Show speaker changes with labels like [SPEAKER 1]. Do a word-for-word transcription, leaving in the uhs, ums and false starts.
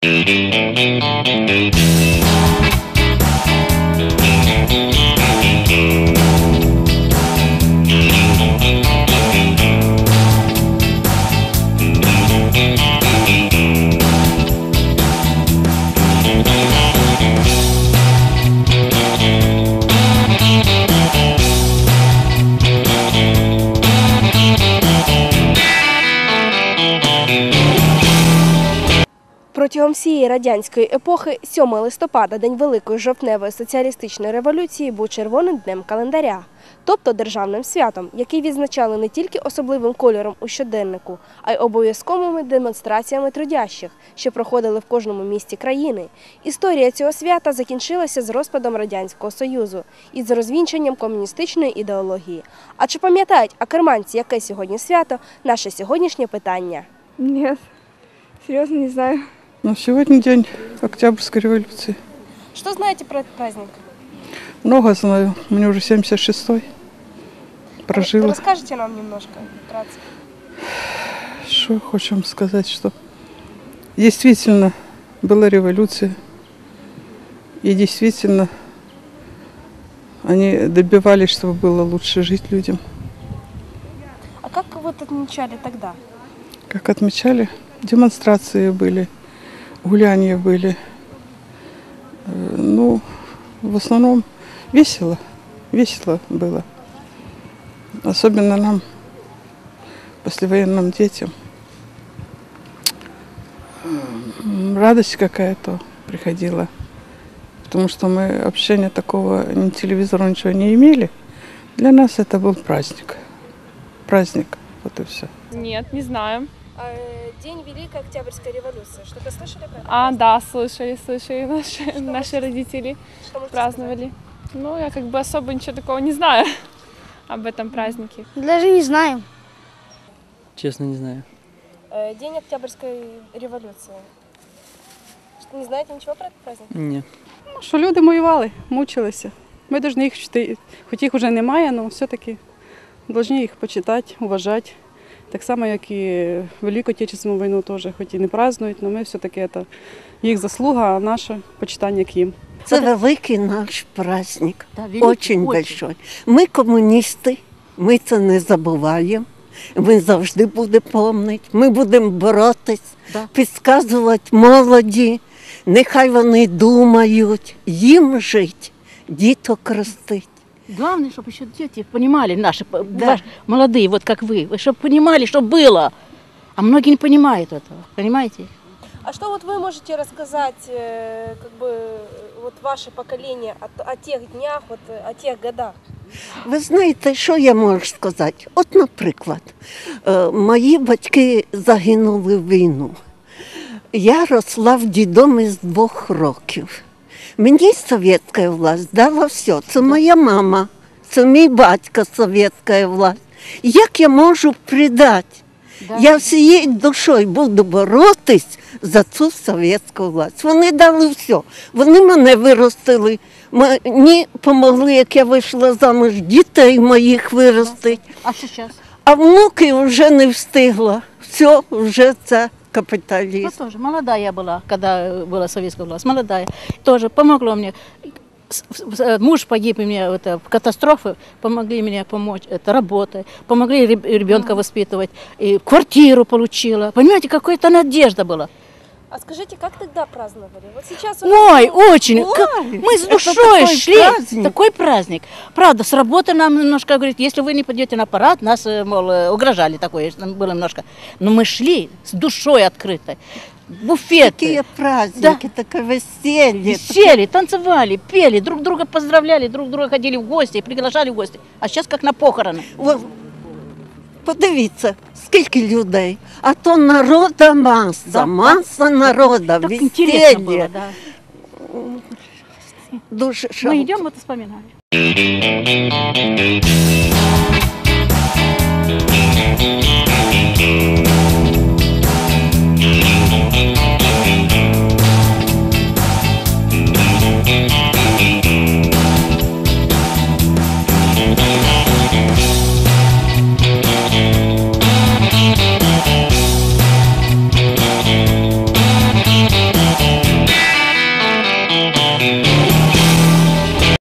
[SPEAKER 1] Протягом всієї радянської епохи сьомого листопада, День Великої жовтневої соціалістичної революції, був червоним днем календаря, тобто державним святом, який відзначали не тільки особливим кольором у щоденнику, а й обов'язковими демонстраціями трудящих, що проходили в кожному місті країни. Історія цього свята закінчилася з розпадом Радянського Союзу і з розвінчанням комуністичної ідеології. А чи пам'ятають акерманці, яке сьогодні свято – наше сьогоднішнє питання?
[SPEAKER 2] Ні, серйозно не знаю.
[SPEAKER 3] Ну, сегодня день Октябрьской революции.
[SPEAKER 1] Что знаете про этот праздник?
[SPEAKER 3] Много знаю. Мне уже семьдесят шестой. Прожила.
[SPEAKER 1] Расскажите нам немножко, вкратце.
[SPEAKER 3] Что хочем сказать, что действительно была революция. И действительно они добивались, чтобы было лучше жить людям.
[SPEAKER 1] А как вот отмечали тогда?
[SPEAKER 3] Как отмечали? Демонстрации были. Гуляния были. Ну, в основном весело. Весело было. Особенно нам, послевоенным детям. Радость какая-то приходила. Потому что мы общения такого, ни телевизора, ничего не имели. Для нас это был праздник. Праздник. Вот и все.
[SPEAKER 2] Нет, не знаю.
[SPEAKER 1] День Великой Октябрьской революции. Что-то слышали про это?
[SPEAKER 2] А, да, слышали, слышали. Наши,
[SPEAKER 1] Что
[SPEAKER 2] наши родители
[SPEAKER 1] Что можете
[SPEAKER 2] праздновали. Ну, я как бы особо ничего такого не знаю об этом празднике.
[SPEAKER 4] Даже не знаю.
[SPEAKER 5] Честно, не знаю.
[SPEAKER 1] сказать? День Октябрьской революции. Что, не знаете ничего про этот праздник?
[SPEAKER 5] Ні.
[SPEAKER 6] Ну, що люди воювали, мучилися. Ми повинні їх чти, хоч їх вже немає, але все-таки повинні їх почитати, уважати. Так само, як і Велику Отечественну війну теж, хоч і не празднують, але ми все-таки це їх заслуга, а наше почитання к їм.
[SPEAKER 7] Це великий наш праздник, дуже великий. Ми комуністи, ми це не забуваємо, ми завжди будемо пам'ятати, ми будемо боротись, підказувати молоді, нехай вони думають, їм жити, діток ростить.
[SPEAKER 8] Главное, чтобы еще дети понимали, наши,
[SPEAKER 7] Да.
[SPEAKER 8] ваш, молодые, вот как вы, чтобы понимали, что было. А многие не понимают этого, понимаете?
[SPEAKER 1] А что вот вы можете рассказать, э, как бы, вот ваше поколение о, о тех днях, вот, о тех годах?
[SPEAKER 7] Ви знаєте, що я можу сказати? От, наприклад, е, мої батьки загинули в війну. Я росла в дідомі з двох років. Мені совєтська власть дала все. Це моя мама, це мій батько, совєтська власть. Як я можу предати?
[SPEAKER 8] Да.
[SPEAKER 7] Я всією душою буду боротись за цю совєтську власть. Вони дали все. Вони мене виростили. Мені допомогли, як я вийшла замуж, дітей моїх виростити.
[SPEAKER 8] А сейчас?
[SPEAKER 7] А внуки вже не встигла. Все, вже це
[SPEAKER 8] Я
[SPEAKER 7] капіталізм.
[SPEAKER 8] тоже молодая была, когда была советская власть, молодая. Тоже помогло мне. С- с- Муж погиб, и мне это, в катастрофе, помогли мне помочь, это работой, помогли реб- ребенка воспитывать, и квартиру получила. Понимаете, какая-то надежда была.
[SPEAKER 1] А скажите, как тогда праздновали? Вот сейчас у нас-
[SPEAKER 8] Ой, очень.
[SPEAKER 7] Ой,
[SPEAKER 8] Как- Мы с
[SPEAKER 7] это
[SPEAKER 8] душой
[SPEAKER 7] такой
[SPEAKER 8] шли.
[SPEAKER 7] праздник.
[SPEAKER 8] Такой праздник. Правда, с работы нам немножко говорит, если вы не пойдете на парад, нас, э, мол, э, угрожали такое, нам было немножко. Но мы шли с душой открытой. Буфеты,
[SPEAKER 7] Такі праздники, таке весілля.
[SPEAKER 8] веселье, танцевали, пели, друг друга поздравляли, друг друга ходили в гости, приглашали в гости. А сейчас как на похороны.
[SPEAKER 7] О, подивіться, скільки людей. А то народа маса,
[SPEAKER 8] Да,
[SPEAKER 7] маса народа,
[SPEAKER 8] Так интересно было,
[SPEAKER 7] весілля.
[SPEAKER 8] да.
[SPEAKER 7] Дуже
[SPEAKER 8] Мы
[SPEAKER 7] жалко.
[SPEAKER 8] идем, вот вспоминаем.